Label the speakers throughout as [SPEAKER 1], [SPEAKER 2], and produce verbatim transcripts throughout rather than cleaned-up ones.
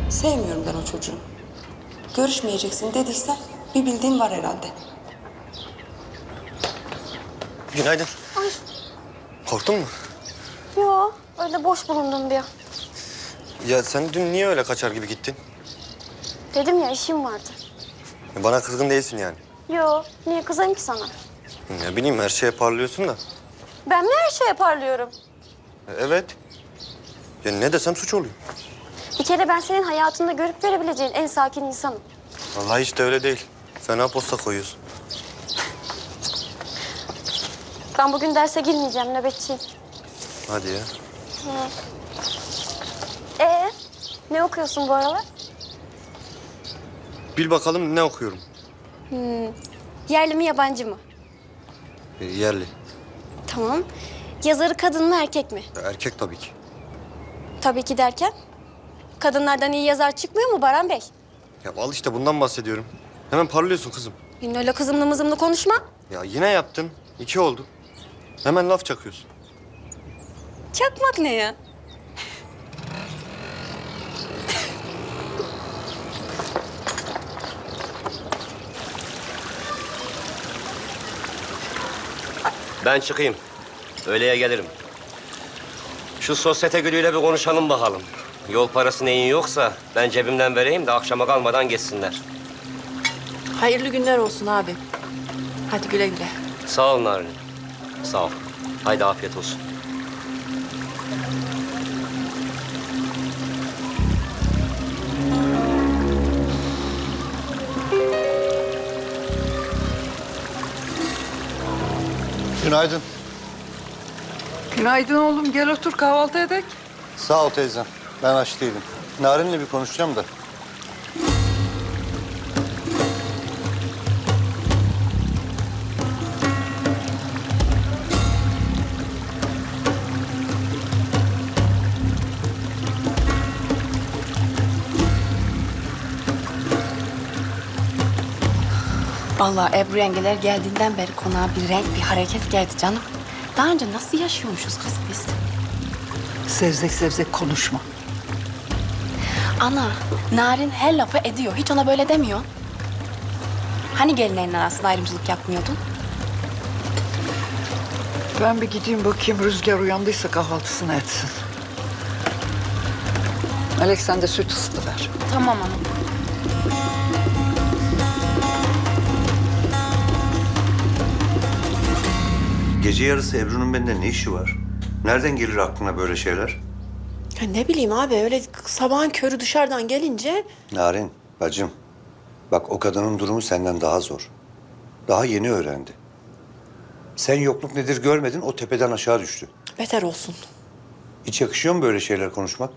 [SPEAKER 1] Sevmiyorum ben o çocuğu. Görüşmeyeceksin dediyse bir bildiğin var herhalde.
[SPEAKER 2] Günaydın.
[SPEAKER 3] Ay.
[SPEAKER 2] Korktun mu?
[SPEAKER 3] Yo, öyle boş bulundum diye.
[SPEAKER 2] Ya sen dün niye öyle kaçar gibi gittin?
[SPEAKER 3] Dedim ya işim vardı.
[SPEAKER 2] Bana kızgın değilsin yani.
[SPEAKER 3] Yo, niye kızayım ki sana?
[SPEAKER 2] Ne bileyim her şeye parlıyorsun da.
[SPEAKER 3] Ben mi her şeye parlıyorum?
[SPEAKER 2] E, Evet. Ya ne desem suç oluyor.
[SPEAKER 3] Bir kere ben senin hayatında görüp görebileceğin en sakin insanım.
[SPEAKER 2] Vallahi hiç de öyle değil. Fena posta koyuyorsun.
[SPEAKER 3] Ben bugün derse girmeyeceğim, nöbetçiyim.
[SPEAKER 2] Hadi ya.
[SPEAKER 3] Ee, ne okuyorsun bu aralar?
[SPEAKER 2] Bil bakalım ne okuyorum?
[SPEAKER 3] Yerli mi yabancı mı?
[SPEAKER 2] E, yerli.
[SPEAKER 3] Tamam. Yazarı kadın mı erkek mi?
[SPEAKER 2] E, Erkek tabii ki.
[SPEAKER 3] Tabii ki derken? Kadınlardan iyi yazar çıkmıyor mu Baran Bey?
[SPEAKER 2] Ya al işte bundan bahsediyorum. Hemen parlıyorsun kızım.
[SPEAKER 3] Yine öyle kızımlı mızımlı konuşma.
[SPEAKER 2] Ya yine yaptın. İki oldu. Hemen laf çakıyorsun.
[SPEAKER 3] Çakmak ne ya?
[SPEAKER 4] Ben çıkayım. Öğleye gelirim. Şu sosyete gülüyle bir konuşalım bakalım. Yol parası neyin yoksa ben cebimden vereyim de akşama kalmadan geçsinler.
[SPEAKER 5] Hayırlı günler olsun abi. Hadi güle güle.
[SPEAKER 4] Sağ ol Narin. Sağ ol. Haydi afiyet olsun.
[SPEAKER 6] Günaydın.
[SPEAKER 7] Günaydın oğlum. Gel otur kahvaltı edek.
[SPEAKER 6] Sağ ol teyzem. Ben aç değilim. Narin'le bir konuşacağım da.
[SPEAKER 5] Vallahi Ebru yengeler geldiğinden beri konağa bir renk, bir hareket geldi canım. Daha önce nasıl yaşıyormuşuz kız biz?
[SPEAKER 7] Sevzek sevzek konuşma.
[SPEAKER 5] Ana, Narin her lafı ediyor. Hiç ona böyle demiyor. Hani gelinlerin arasında ayrımcılık yapmıyordun?
[SPEAKER 7] Ben bir gideyim bakayım Rüzgar uyandıysa kahvaltısını etsin. Melek sen de süt ısıtıver.
[SPEAKER 5] Tamam ana.
[SPEAKER 8] Gece yarısı Ebru'nun bende ne işi var? Nereden gelir aklına böyle şeyler?
[SPEAKER 5] Ya ne bileyim abi öyle sabahın körü dışarıdan gelince...
[SPEAKER 8] Narin, bacım. Bak o kadının durumu senden daha zor. Daha yeni öğrendi. Sen yokluk nedir görmedin, o tepeden aşağı düştü.
[SPEAKER 5] Beter olsun.
[SPEAKER 8] Hiç yakışıyor mu böyle şeyler konuşmak?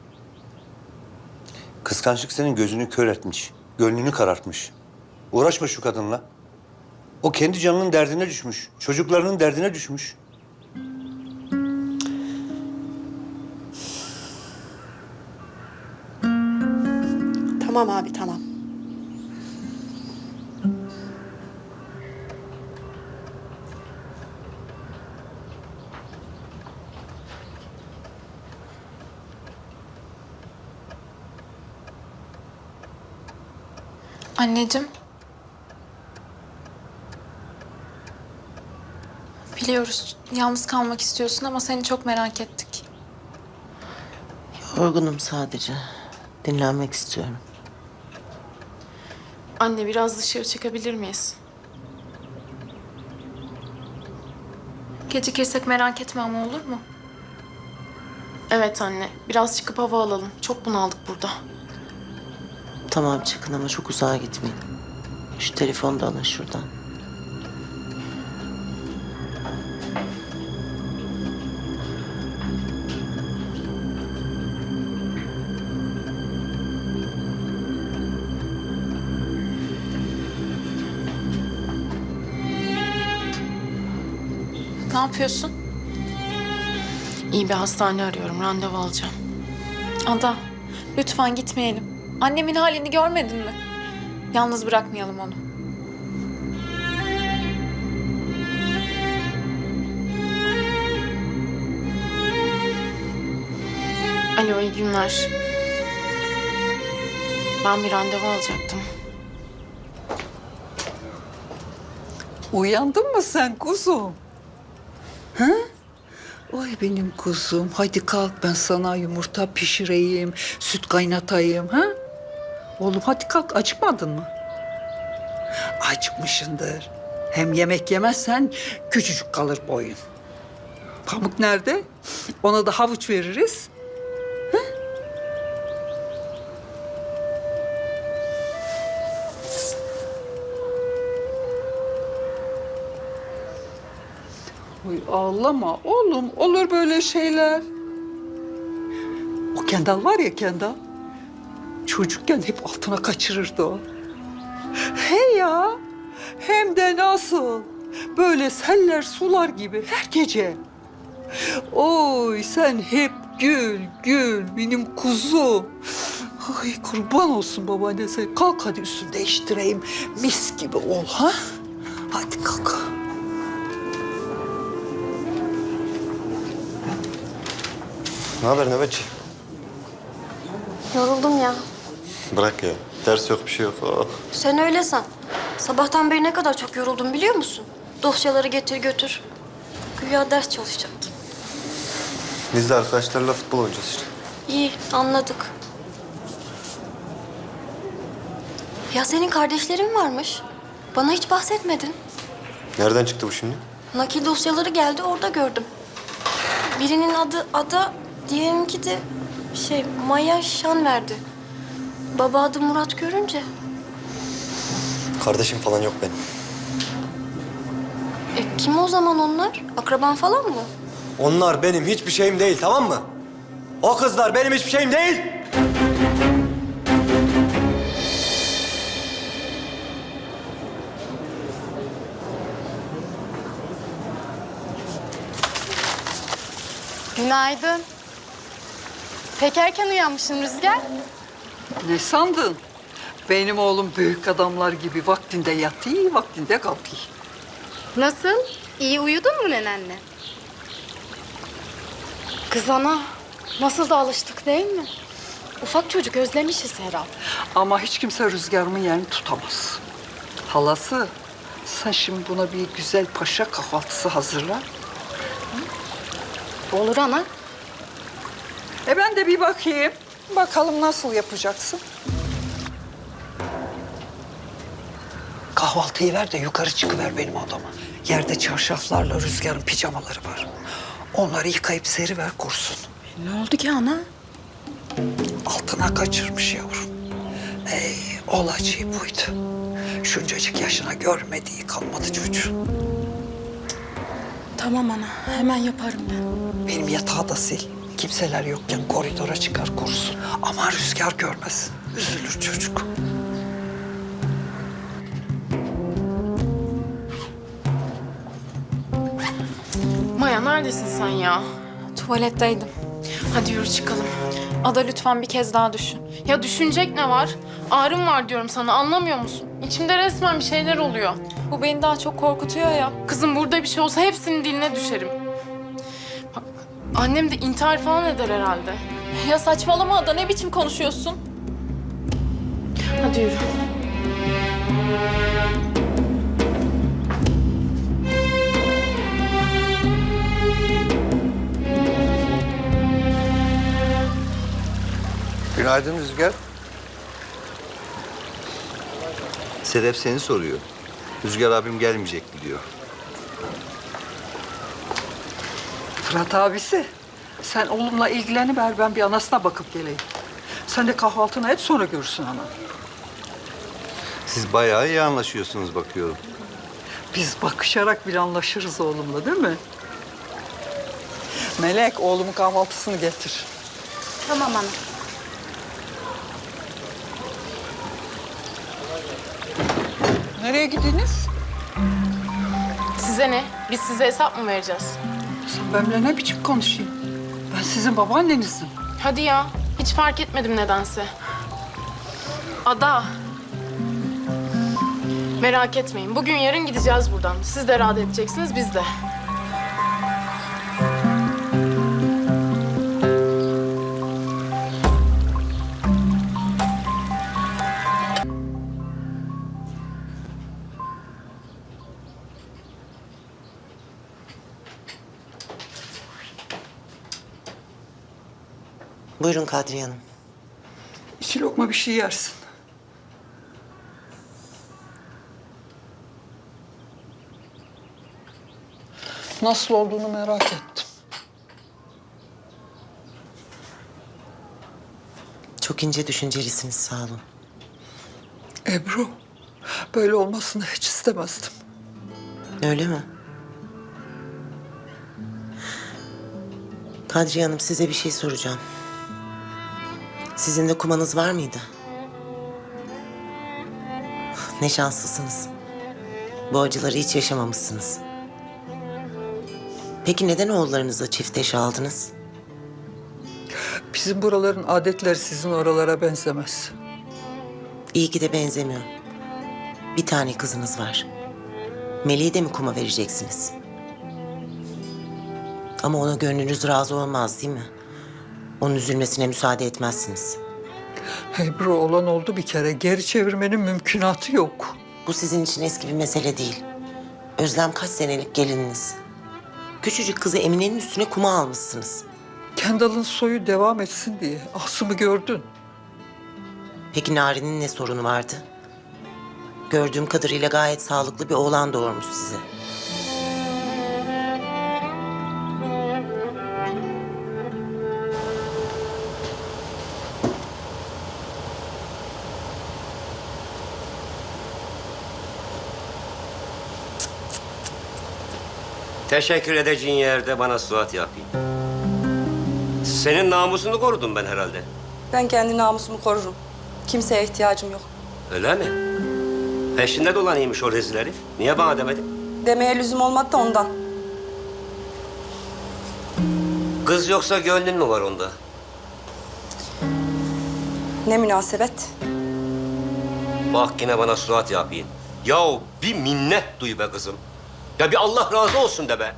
[SPEAKER 8] Kıskançlık senin gözünü kör etmiş, gönlünü karartmış. Uğraşma şu kadınla. O kendi canının derdine düşmüş, çocuklarının derdine düşmüş.
[SPEAKER 5] Tamam abi tamam.
[SPEAKER 9] Anneciğim. Biliyoruz yalnız kalmak istiyorsun ama seni çok merak ettik.
[SPEAKER 10] Yorgunum sadece. Dinlenmek istiyorum.
[SPEAKER 9] Anne biraz dışarı çıkabilir miyiz? Gecikirsek merak etme ama olur mu? Evet anne biraz çıkıp hava alalım. Çok bunaldık burada.
[SPEAKER 10] Tamam çıkın ama çok uzağa gitmeyin. Şu telefonu da alın şuradan.
[SPEAKER 9] Ne yapıyorsun? İyi bir hastane arıyorum. Randevu alacağım. Ada, lütfen gitmeyelim. Annemin halini görmedin mi? Yalnız bırakmayalım onu. Alo, iyi günler. Ben bir randevu alacaktım.
[SPEAKER 7] Uyandın mı sen kuzum? Ha? Oy benim kuzum. Haydi kalk ben sana yumurta pişireyim, süt kaynatayım. Ha? Oğlum hadi kalk acıkmadın mı? Acıkmışındır. Hem yemek yemezsen küçücük kalır boyun. Pamuk nerede? Ona da havuç veririz. Oy ağlama oğlum. Olur böyle şeyler. O Kendal var ya Kendal. Çocukken hep altına kaçırırdı o. He ya. Hem de nasıl? Böyle seller sular gibi her gece. Oy sen hep gül gül benim kuzum. Ay kurban olsun babaanne sen. Kalk hadi üstünü değiştireyim. Mis gibi ol ha. Hadi kalk.
[SPEAKER 2] Ne haber nöbetçi?
[SPEAKER 3] Yoruldum ya.
[SPEAKER 2] Bırak ya. Ders yok bir şey yok. Oh.
[SPEAKER 3] Sen öyle san. Sabahtan beri ne kadar çok yoruldum biliyor musun? Dosyaları getir götür. Güya ders çalışacaktım.
[SPEAKER 2] Biz de arkadaşlarla futbol oynayacağız işte.
[SPEAKER 3] İyi, anladık. Ya senin kardeşlerin varmış. Bana hiç bahsetmedin.
[SPEAKER 2] Nereden çıktı bu şimdi?
[SPEAKER 3] Nakil dosyaları geldi, orada gördüm. Birinin adı Ada, diğerinki de şey Maya Şanverdi. Baba adı Murat görünce.
[SPEAKER 2] Kardeşim falan yok benim.
[SPEAKER 3] E, kim o zaman onlar? Akraban falan mı?
[SPEAKER 2] Onlar benim hiçbir şeyim değil, tamam mı? O kızlar benim hiçbir şeyim değil.
[SPEAKER 9] Günaydın. Pek erken uyanmışsın Rüzgar.
[SPEAKER 7] Ne sandın? Benim oğlum büyük adamlar gibi vaktinde yatıyor, vaktinde kalkıyor.
[SPEAKER 3] Nasıl? İyi uyudun mu nenenle?
[SPEAKER 9] Kız ana, nasıl da alıştık değil mi? Ufak çocuk özlemişiz herhalde.
[SPEAKER 7] Ama hiç kimse rüzgarımın yerini tutamaz. Halası, sen şimdi buna bir güzel paşa kahvaltısı hazırla.
[SPEAKER 9] Olur ana.
[SPEAKER 7] E ben de bir bakayım. Bakalım nasıl yapacaksın? Kahvaltıyı ver de yukarı çıkıver benim odama. Yerde çarşaflarla rüzgarın pijamaları var. Onları yıkayıp seriver kursun.
[SPEAKER 9] Ne oldu ki ana?
[SPEAKER 7] Altına kaçırmış yavrum. Ey olacağı buydu. Şuncacık yaşına görmediği kalmadı çocuğun.
[SPEAKER 9] Tamam ana, hemen yaparım ben.
[SPEAKER 7] Benim yatağı da sil. Kimseler yokken koridora çıkar kursun. Ama rüzgar görmesin. Üzülür çocuk.
[SPEAKER 9] Maya neredesin sen ya?
[SPEAKER 3] Tuvaletteydim.
[SPEAKER 9] Hadi yürü çıkalım. Ada lütfen bir kez daha düşün. Ya düşünecek ne var? Ağrım var diyorum sana, anlamıyor musun? İçimde resmen bir şeyler oluyor.
[SPEAKER 3] Bu beni daha çok korkutuyor ya.
[SPEAKER 9] Kızım burada bir şey olsa hepsinin diline düşerim. Bak, annem de intihar falan eder herhalde.
[SPEAKER 3] Ya saçmalama Ada, ne biçim konuşuyorsun?
[SPEAKER 9] Hadi yürü.
[SPEAKER 8] Günaydın Rüzgar. Sedef seni soruyor. Rüzgar abim gelmeyecek mi diyor.
[SPEAKER 7] Fırat abisi, sen oğlumla ilgileniver, ben bir anasına bakıp geleyim. Sen de kahvaltını et, sonra görürsün ana.
[SPEAKER 8] Siz bayağı iyi anlaşıyorsunuz bakıyorum.
[SPEAKER 7] Biz bakışarak bir anlaşırız oğlumla, değil mi? Melek, oğlumun kahvaltısını getir.
[SPEAKER 3] Tamam ana.
[SPEAKER 7] Nereye gittiniz?
[SPEAKER 9] Size ne? Biz size hesap mı vereceğiz?
[SPEAKER 7] Sen benimle ne biçim konuşayım? Ben sizin babaannenizdim.
[SPEAKER 9] Hadi ya. Hiç fark etmedim nedense. Ada. Merak etmeyin. Bugün yarın gideceğiz buradan. Siz de rahat edeceksiniz, biz de.
[SPEAKER 10] Buyurun Kadriye Hanım.
[SPEAKER 7] İki lokma bir şey yersin. Nasıl olduğunu merak ettim.
[SPEAKER 10] Çok ince düşüncelisiniz, sağ olun.
[SPEAKER 7] Ebru, böyle olmasını hiç istemezdim.
[SPEAKER 10] Öyle mi? Kadriye Hanım, size bir şey soracağım. Sizin de kumanız var mıydı? Ne şanslısınız. Bu acıları hiç yaşamamışsınız. Peki neden oğullarınıza çift eş aldınız?
[SPEAKER 7] Bizim buraların adetleri sizin oralara benzemez.
[SPEAKER 10] İyi ki de benzemiyor. Bir tane kızınız var. Melih'i de mi kuma vereceksiniz? Ama ona gönlünüz razı olmaz değil mi? Onun üzülmesine müsaade etmezsiniz.
[SPEAKER 7] Ebru, olan oldu bir kere. Geri çevirmenin mümkünatı yok.
[SPEAKER 10] Bu sizin için eski bir mesele değil. Özlem kaç senelik gelininiz. Küçücük kızı Emine'nin üstüne kuma almışsınız.
[SPEAKER 7] Kendal'ın soyu devam etsin diye. Asım'ı gördün.
[SPEAKER 10] Peki Nari'nin ne sorunu vardı? Gördüğüm kadarıyla gayet sağlıklı bir oğlan doğurmuş size.
[SPEAKER 4] Teşekkür edeceğin yerde bana suat yapayım. Senin namusunu korudum ben herhalde.
[SPEAKER 1] Ben kendi namusumu korurum. Kimseye ihtiyacım yok.
[SPEAKER 4] Öyle mi? Peşinde dolanıymış o rezil herif. Niye bana demedin?
[SPEAKER 1] Demeye lüzum olmadı da ondan.
[SPEAKER 4] Kız yoksa gönlün mü var onda?
[SPEAKER 1] Ne münasebet.
[SPEAKER 4] Bak yine bana suat yapayım. Yahu bir minnet duy be kızım. Ya bir Allah razı olsun de be.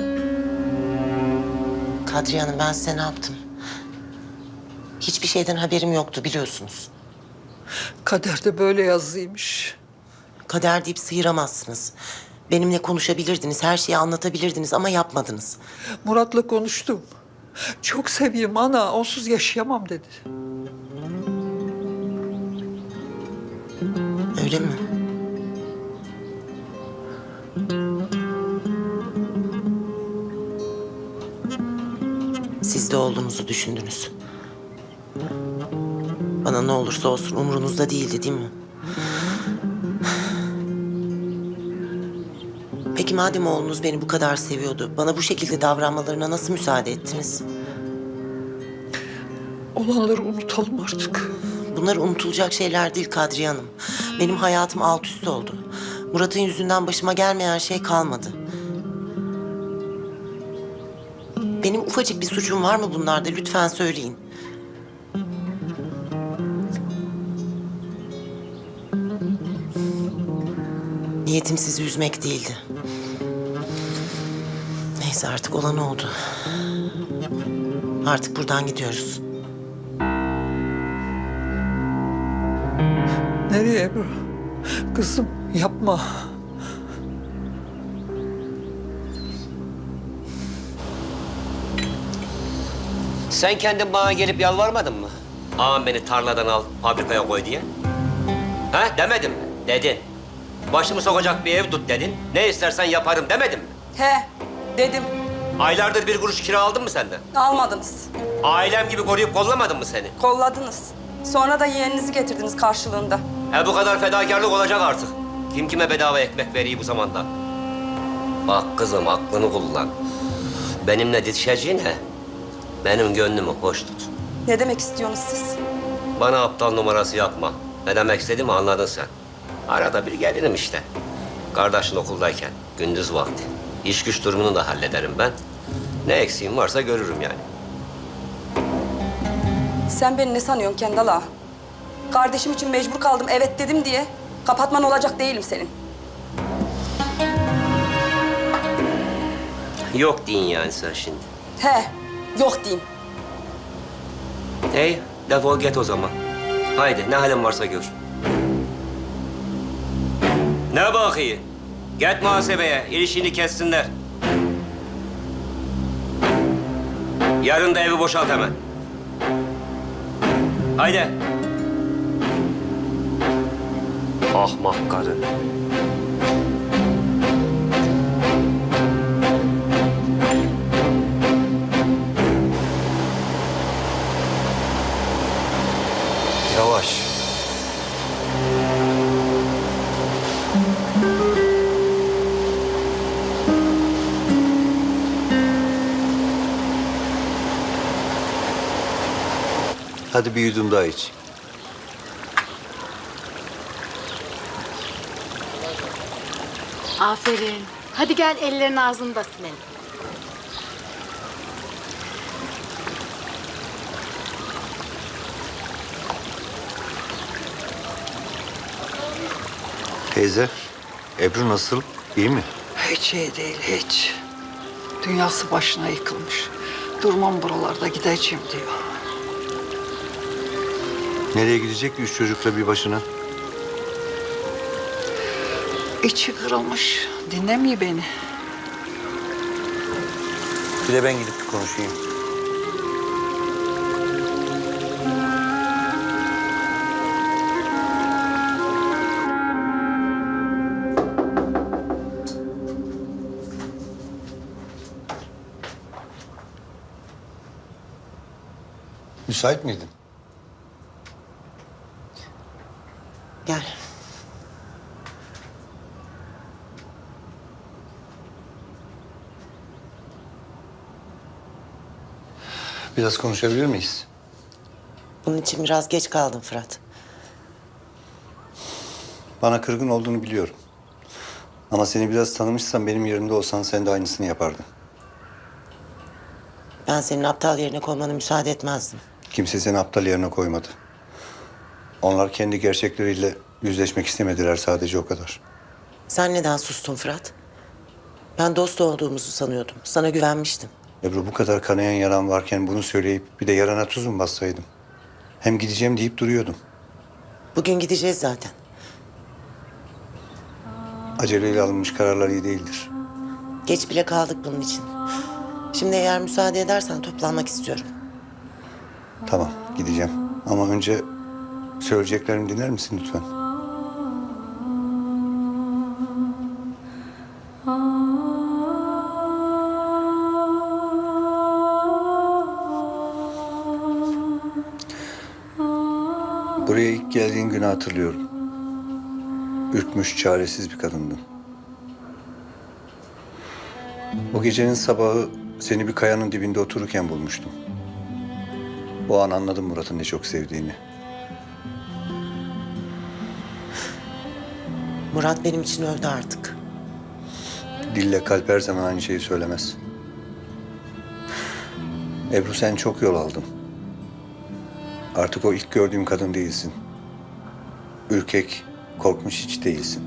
[SPEAKER 10] Kadriye Hanım, ben size ne yaptım? Hiçbir şeyden haberim yoktu, biliyorsunuz.
[SPEAKER 7] Kaderde böyle yazıymış.
[SPEAKER 10] Kader deyip sıyıramazsınız. Benimle konuşabilirdiniz, her şeyi anlatabilirdiniz ama yapmadınız.
[SPEAKER 7] Murat'la konuştum. Çok seveyim ana, onsuz yaşayamam dedi.
[SPEAKER 10] Öyle mi? Siz de oğlunuzu düşündünüz. Bana ne olursa olsun umrunuzda değildi, değil mi? Peki madem oğlunuz beni bu kadar seviyordu, bana bu şekilde davranmalarına nasıl müsaade ettiniz?
[SPEAKER 7] Olanları unutalım artık.
[SPEAKER 10] Bunlar unutulacak şeyler değil Kadriye Hanım. Benim hayatım alt üst oldu. Murat'ın yüzünden başıma gelmeyen şey kalmadı. Benim ufacık bir suçum var mı bunlarda? Lütfen söyleyin. Niyetim sizi üzmek değildi. Neyse, artık olan oldu. Artık buradan gidiyoruz.
[SPEAKER 7] Nereye Ebru? Kızım yapma.
[SPEAKER 4] Sen kendin bana gelip yalvarmadın mı? Ağam beni tarladan al, fabrikaya koy diye. Ha demedin mi? Dedin. Başımı sokacak bir ev tut dedin. Ne istersen yaparım demedin mi?
[SPEAKER 1] He, dedim.
[SPEAKER 4] Aylardır bir kuruş kira aldın mı senden?
[SPEAKER 1] Almadınız.
[SPEAKER 4] Ailem gibi koruyup kollamadın mı seni?
[SPEAKER 1] Kolladınız. Sonra da yeğeninizi getirdiniz karşılığında.
[SPEAKER 4] E bu kadar fedakarlık olacak artık. Kim kime bedava ekmek veriyor bu zamanda? Bak kızım, aklını kullan. Benimle didişeceğine benim gönlümü hoş tut.
[SPEAKER 1] Ne demek istiyorsunuz siz?
[SPEAKER 4] Bana aptal numarası yapma. Ne demek istediğimi anladın sen. Arada bir gelirim işte. Kardeşin okuldayken, gündüz vakti. İş güç durumunu da hallederim ben. Ne eksiğim varsa görürüm yani.
[SPEAKER 1] Sen beni ne sanıyorsun Kendal ağa? Kardeşim için mecbur kaldım evet dedim diye kapatman olacak değilim senin.
[SPEAKER 4] Yok deyin yani sen şimdi.
[SPEAKER 1] He, yok diyeyim.
[SPEAKER 4] Hey, defol git o zaman. Haydi, ne halin varsa gör. Ne bakıyı? Git muhasebeye, ilişkini kessinler. Yarın da evi boşalt hemen. Haydi. Ahmak karı.
[SPEAKER 2] Yavaş.
[SPEAKER 8] Hadi bir yudum daha iç.
[SPEAKER 5] Aferin. Hadi gel ellerin ağzında silelim.
[SPEAKER 8] Teyze, Ebru nasıl? İyi mi?
[SPEAKER 7] Hiç iyi değil, hiç. Dünyası başına yıkılmış. Durmam buralarda, gideceğim diyor.
[SPEAKER 8] Nereye gidecek ki üç çocukla bir başına?
[SPEAKER 7] İçi kırılmış, dinlemiyor beni.
[SPEAKER 8] Bir de ben gidip bir konuşayım. Müsait miydin?
[SPEAKER 10] Gel.
[SPEAKER 8] Biraz konuşabilir miyiz?
[SPEAKER 10] Bunun için biraz geç kaldın Fırat.
[SPEAKER 8] Bana kırgın olduğunu biliyorum. Ama seni biraz tanımışsam benim yerimde olsan sen de aynısını yapardın.
[SPEAKER 10] Ben senin aptal yerine koymana müsaade etmezdim.
[SPEAKER 8] Kimse seni aptal yerine koymadı. Onlar kendi gerçekleriyle yüzleşmek istemediler, sadece o kadar.
[SPEAKER 10] Sen neden sustun Fırat? Ben dost olduğumuzu sanıyordum. Sana güvenmiştim.
[SPEAKER 8] Ebru, bu kadar kanayan yaran varken bunu söyleyip bir de yarana tuz mu bassaydım? Hem gideceğim deyip duruyordum.
[SPEAKER 10] Bugün gideceğiz zaten.
[SPEAKER 8] Aceleyle alınmış kararlar iyi değildir.
[SPEAKER 10] Geç bile kaldık bunun için. Şimdi eğer müsaade edersen toplanmak istiyorum.
[SPEAKER 8] Tamam, gideceğim. Ama önce söyleyeceklerimi dinler misin lütfen? Buraya ilk geldiğin günü hatırlıyorum. Ürkmüş, çaresiz bir kadındın. O gecenin sabahı seni bir kayanın dibinde otururken bulmuştum. O an anladım Murat'ın ne çok sevdiğini.
[SPEAKER 10] Murat benim için öldü artık.
[SPEAKER 8] Dille kalp her zaman aynı şeyi söylemez. Ebru, sen çok yol aldın. Artık o ilk gördüğüm kadın değilsin. Ürkek, korkmuş hiç değilsin.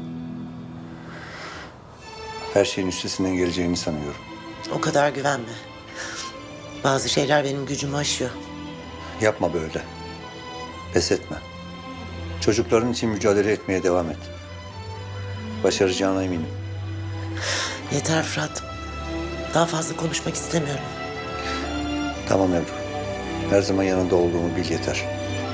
[SPEAKER 8] Her şeyin üstesinden geleceğini sanıyorum.
[SPEAKER 10] O kadar güvenme. Bazı şeyler benim gücümü aşıyor.
[SPEAKER 8] Yapma böyle. Pes etme. Çocukların için mücadele etmeye devam et. Başaracağına eminim.
[SPEAKER 10] Yeter Fırat. Daha fazla konuşmak istemiyorum.
[SPEAKER 8] Tamam Ebru. Her zaman yanında olduğumu bil yeter.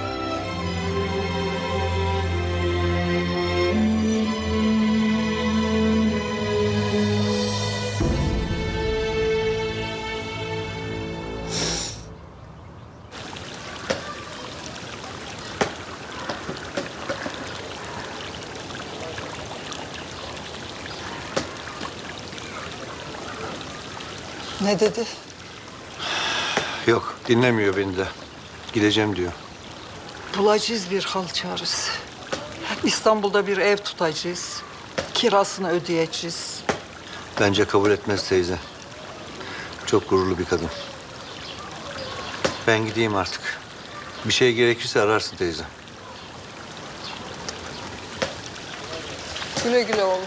[SPEAKER 7] Ne dedi?
[SPEAKER 8] Yok, dinlemiyor beni de. Gideceğim diyor.
[SPEAKER 7] Bulacağız bir hal çaresi. İstanbul'da bir ev tutacağız. Kirasını ödeyeceğiz.
[SPEAKER 8] Bence kabul etmez teyze. Çok gururlu bir kadın. Ben gideyim artık. Bir şey gerekirse ararsın teyze.
[SPEAKER 7] Güle güle oğlum.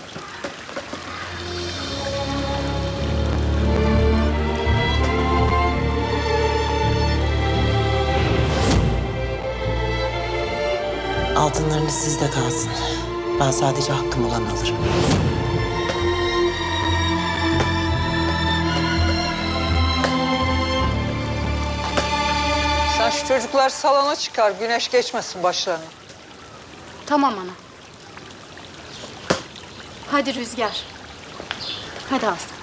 [SPEAKER 10] Altınlarınız sizde kalsın. Ben sadece hakkım olanı alırım.
[SPEAKER 7] Sen Yavaş çocuklar salona çıkar. Güneş geçmesin başlarına.
[SPEAKER 11] Tamam ana. Hadi Rüzgar. Hadi Aslı.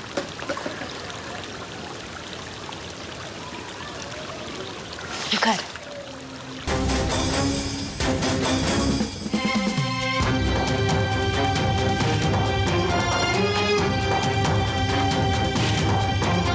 [SPEAKER 11] Yukarı.